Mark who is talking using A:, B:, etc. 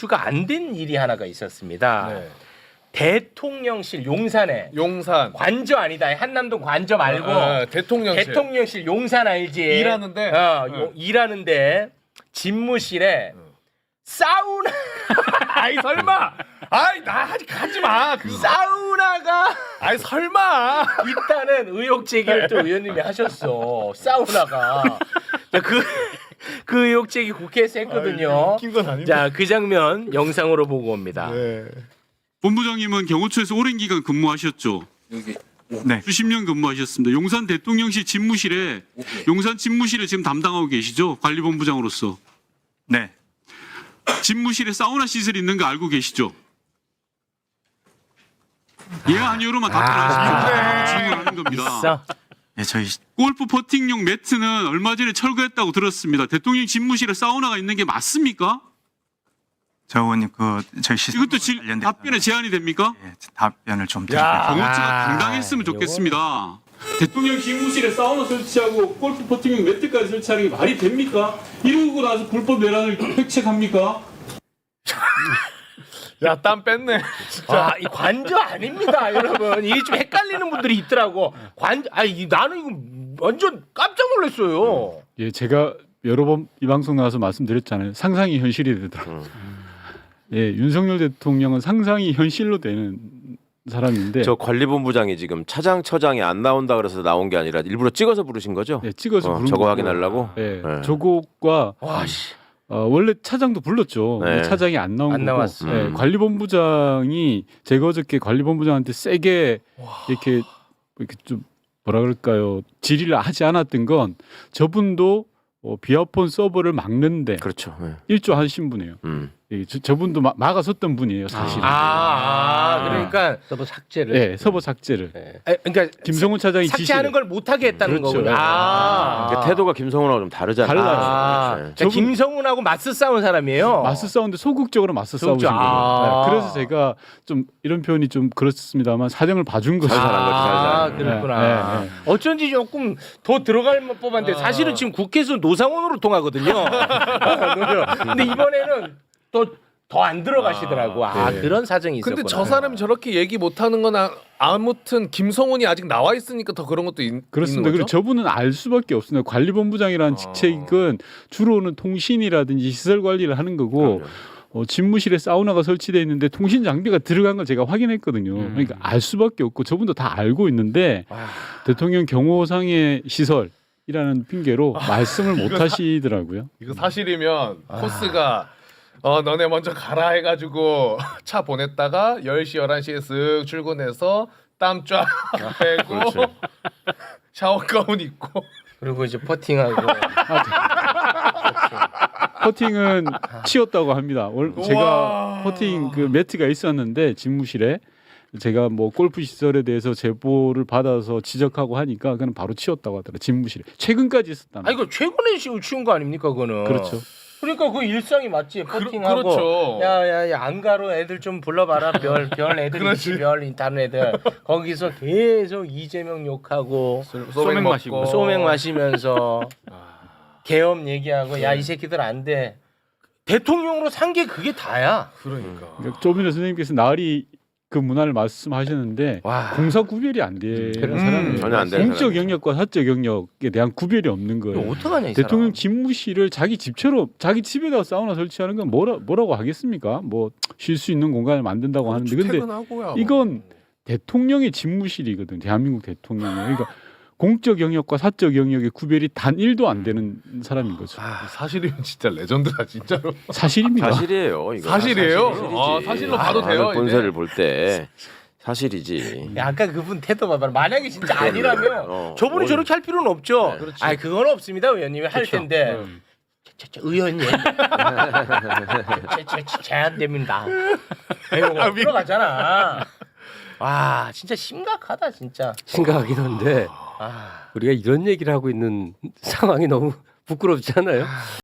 A: 주가 안 된 일이 하나가 있었습니다.
B: 네.
A: 대통령실 용산에
B: 용산
A: 관저 아니다. 한남동 관저 말고
B: 대통령실
A: 대통령실 용산 알지?
B: 일하는데
A: 일하는데 집무실에 사우나
B: 아이 설마 아이 나 아직 가지 마
A: 사우나가
B: 아이 설마
A: 있다는 의혹 제기를 또 의원님이 하셨어. 사우나가 그 의혹 제기 국회에서 했거든요.
B: 웃긴 건 아닌데.
A: 자, 그 장면 영상으로 보고 옵니다.
B: 네.
C: 본부장님은 경호처에서 오랜 기간 근무하셨죠. 네. 수십 년 근무하셨습니다. 용산 대통령실 집무실에 용산 집무실을 지금 담당하고 계시죠? 관리본부장으로서.
D: 네.
C: 집무실에 사우나 시설이 있는 거 알고 계시죠? 예 아니요로만 답변하시면 질문하는 겁니다.
A: 있어.
D: 예, 저희
C: 골프 퍼팅용 매트는 얼마 전에 철거했다고 들었습니다. 대통령 집무실에 사우나가 있는 게 맞습니까?
D: 저 의원님 저희 시설
C: 이것도 답변에 제한이 됩니까?
D: 예, 답변을 좀 드릴게요.
C: 경호처가 당당했으면 좋겠습니다. 대통령 집무실에 사우나 설치하고 골프 퍼팅용 매트까지 설치하는 게 말이 됩니까? 이러고 나서 불법 내란을 획책합니까?
B: 야 땀 뺐네.
A: 아, 이 관저 아닙니다, 여러분. 이게 좀 헷갈리는 분들이 있더라고. 나는 이거 완전 깜짝 놀랐어요.
E: 예, 제가 여러 번 이 방송 나와서 말씀드렸잖아요. 상상이 현실이 되더라고요. 예, 윤석열 대통령은 상상이 현실로 되는 사람인데
F: 저 관리본부장이 지금 차장처장이 안 나온다 그래서 나온 게 아니라 일부러 찍어서 부르신 거죠?
E: 예, 찍어서 부른
F: 저거
E: 거고.
F: 확인하려고?
E: 예,
F: 네.
E: 저곡과
A: 와, 씨.
E: 원래 차장도 불렀죠.
F: 네.
E: 근데 차장이 안 나온
A: 안
E: 거고.
A: 나왔어.
E: 예, 관리본부장이 제가 어저께 관리본부장한테 세게 이렇게 좀 뭐라 그럴까요? 질의를 하지 않았던 건 저분도 비아폰 서버를 막는데
F: 그렇죠. 네.
E: 일조하신 분이에요. 예, 저분도 막아섰던 분이에요, 사실.
A: 그러니까
G: 서버 삭제를.
E: 네, 서버 삭제를.
A: 그러니까
E: 김성훈 차장이
A: 삭제하는
E: 지시를.
A: 걸 못하게 했다는
E: 그렇죠.
A: 거군요.
F: 그러니까 태도가 김성훈하고 좀 다르잖아요.
E: 달라요.
F: 네.
A: 그러니까 김성훈하고 맞서 싸운 사람이에요.
E: 맞서 싸우는데 소극적으로 맞서 싸우신 거예요.
A: 아.
E: 네, 그래서 제가 좀 이런 표현이 좀 그렇습니다만 사정을 봐준 거죠.
F: 잘한 거지, 잘한 거지.
A: 그렇구나.
E: 네, 네.
A: 어쩐지 조금 더 들어갈 법한데 사실은 지금 국회에서 노상원으로 통하거든요. 근데 이번에는 더 안 들어가시더라고.
E: 네.
A: 그런 사정이 있었구나.
B: 근데 저 사람이 저렇게 얘기 못하는 건 아무튼 김성훈이 아직 나와 있으니까 더 그런 것도
E: 그렇습니다.
B: 있는
E: 그리고
B: 거죠?
E: 저분은 알 수밖에 없습니다. 관리본부장이라는 직책은 주로는 통신이라든지 시설 관리를 하는 거고 집무실에 사우나가 설치되어 있는데 통신 장비가 들어간 걸 제가 확인했거든요. 그러니까 알 수밖에 없고 저분도 다 알고 있는데 대통령 경호상의 시설이라는 핑계로 말씀을 못 하시더라고요.
B: 이거 사실이면 코스가 너네 먼저 가라 해가지고 차 보냈다가 10시 11시에 쓱 출근해서 땀 쫙 빼고 샤워 가운 입고
A: 그리고 이제 퍼팅하고.
E: 퍼팅은 치웠다고 합니다. 제가 퍼팅 그 매트가 있었는데 집무실에 제가 뭐 골프 시설에 대해서 제보를 받아서 지적하고 하니까 그는 바로 치웠다고 하더라고요. 집무실에 최근까지 있었다는.
A: 이거 최근에 치운 거 아닙니까, 그거는?
E: 그렇죠.
A: 그러니까 그 일상이 맞지. 퍼팅하고.
B: 그렇죠.
A: 야야야 안가로 애들 좀 불러봐라. 별 애들
B: 그렇지.
A: 있지, 별 다른 애들. 거기서 계속 이재명 욕하고
B: 소맥 마시고
A: 소맥 마시면서 계엄 얘기하고 야 이 새끼들 안 돼. 대통령으로 산 게 그게 다야.
B: 그러니까
E: 조민호 선생님께서 나으리 그 문화를 말씀하셨는데
A: 와.
E: 공사 구별이 안 되는 사람이에요.
F: 전혀 안 되는
E: 공적
F: 사람이죠.
E: 영역과 사적 영역에 대한 구별이 없는
A: 이거
E: 거예요.
A: 어떡하냐 이
E: 대통령
A: 사람.
E: 집무실을 자기 집처럼 자기 집에다 사우나 설치하는 건 뭐라고 하겠습니까? 뭐 쉴 수 있는 공간을 만든다고 하는데 근데
B: 퇴근하고야.
E: 이건 대통령의 집무실이거든. 대한민국 대통령이. 그러니까 공적 영역과 사적 영역의 구별이 단 1도 안 되는 사람인 거죠.
B: 사실이면 진짜 레전드다 진짜로.
E: 사실입니다.
F: 사실이에요. 이거.
B: 사실이에요?
F: 사실이지.
B: 사실로 봐도 돼요,
F: 많은
B: 이제?
F: 본세를 볼 때 사실이지.
A: 야, 아까 그분 태도 봐봐. 만약에 진짜 아니라면 저분이
F: 뭘.
A: 저렇게 할 필요는 없죠.
F: 네.
A: 아, 그건 없습니다, 의원님이 할 텐데. 의원님, 제한됩니다. 이거 들어가잖아. 와, 진짜 심각하다, 진짜.
G: 심각하긴 한데 우리가 이런 얘기를 하고 있는 상황이 너무 부끄럽지 않아요?